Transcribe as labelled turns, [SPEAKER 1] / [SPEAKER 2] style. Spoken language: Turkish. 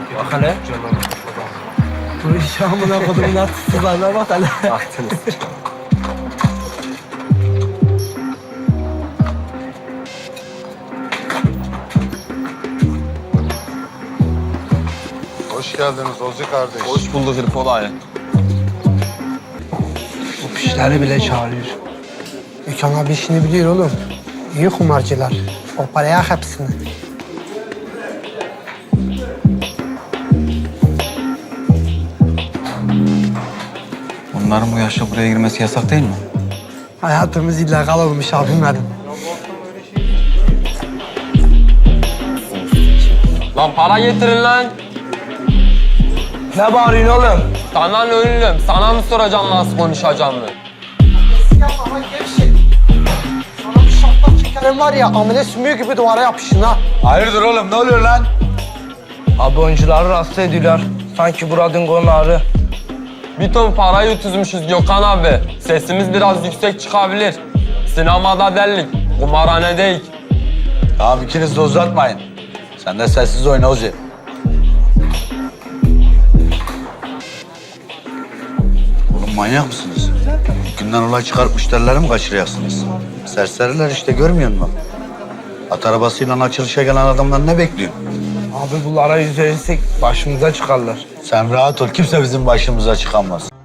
[SPEAKER 1] Bak hele.
[SPEAKER 2] Bu iş amına kodumun artistlerine bak hele.
[SPEAKER 1] Baktınız.
[SPEAKER 3] Hoş geldiniz Ozi kardeş.
[SPEAKER 4] Hoş bulduk Hırpol ağaya.
[SPEAKER 2] Bu pişleri bile çağırıyor. Gökhan abi işini biliyor oğlum. İyi kumarcılar. O paraya hepsini.
[SPEAKER 4] Bunların bu yaşta buraya girmesi yasak değil mi?
[SPEAKER 2] Hayatımız illegal olmuş abim benim.
[SPEAKER 5] Lan para getirin lan.
[SPEAKER 1] Ne bağırıyorsun oğlum?
[SPEAKER 5] Sana ne ölüm? Sana mı soracağım nasıl konuşacağımı?
[SPEAKER 2] Ama gevşek. Sana bir şaplak çekerim var ya, amele sümüğü gibi duvara yapışın ha.
[SPEAKER 4] Hayırdır oğlum, ne oluyor lan?
[SPEAKER 1] Abi oyuncuları rahatsız ediyorlar. Sanki buradın konağı.
[SPEAKER 5] Bir ton parayı utuzmuşuz Gökhan abi. Sesimiz biraz yüksek çıkabilir. Sinemada delik, kumarhanedeyik.
[SPEAKER 4] Tamam, ikiniz de uzatmayın. Sen de sessiz oyna Ozi. Oğlum manyak mısınız? Günden olay çıkarıp müşterileri mi kaçırıyorsunuz? Serseriler işte, görmüyor musun? At arabasıyla açılışa gelen adamlar ne bekliyor?
[SPEAKER 1] Abi bunlara yüz verirsek başımıza çıkarlar.
[SPEAKER 4] Sen rahat ol, kimse bizim başımıza çıkamaz.